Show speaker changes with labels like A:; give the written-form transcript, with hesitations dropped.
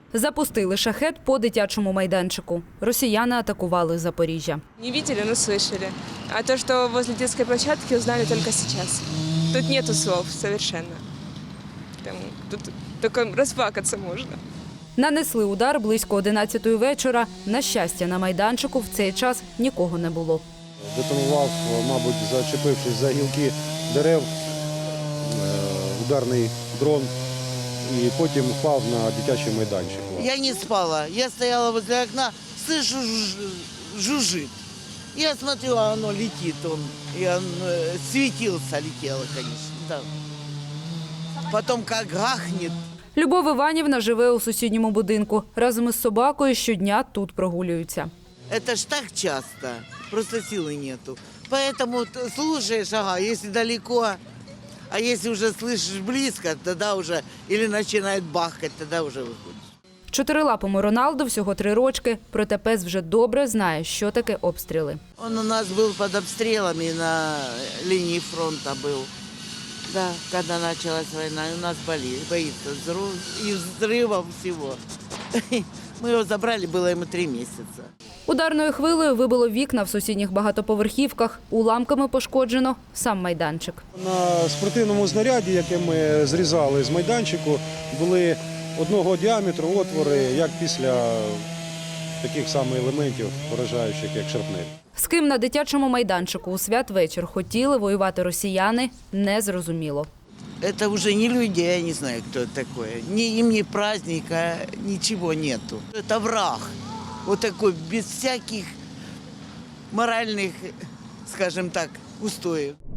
A: Запустили шахед по дитячому майданчику. Росіяни атакували Запоріжжя.
B: Не видели, но слышали. А то, что возле детской площадки, узнали только сейчас. Тут нету слов совершенно. Тут только расплакаться можно.
A: Нанесли удар близько 11-ї вечора. На щастя, на майданчику в цей час нікого не було.
C: Детонував, мабуть, зачепившись за гілки дерев, ударний дрон і потім впав на дитячий майданчик.
D: Я не спала. Я стояла возле окна, слышу, жужжит. Я смотрю, а оно летит. Светился, летело, конечно. Да. Потом как гахнет.
A: Любов Іванівна живе у сусідньому будинку. Разом із собакою щодня тут прогулюються.
D: Это ж так часто. Просто силы нету. Поэтому слушаешь, ага, если далеко, а если уже слышишь близко, тогда уже или начинает бахать, тогда уже выходишь.
A: Чотирилапому Роналду всього 3 рочки, проте пес вже добре знає, що таке обстріли.
D: Он у нас был под обстрелами на линии фронта был. Да, когда началась война, и у нас боится и взрывов всего. Мы его забрали, было ему 3 месяца.
A: Ударною хвилею вибило вікна в сусідніх багатоповерхівках. Уламками пошкоджено сам майданчик.
C: На спортивному знаряді, яке ми зрізали з майданчику, були одного діаметру отвори, як після таких самих елементів, поражаючих, як шарпнель.
A: З ким на дитячому майданчику у святвечір хотіли воювати росіяни, незрозуміло.
D: Это уже не люди, я не знаю, кто это такое. Им ни праздника, ничего нету. Это враг. Вот такой, без всяких моральных, скажем так, устоев.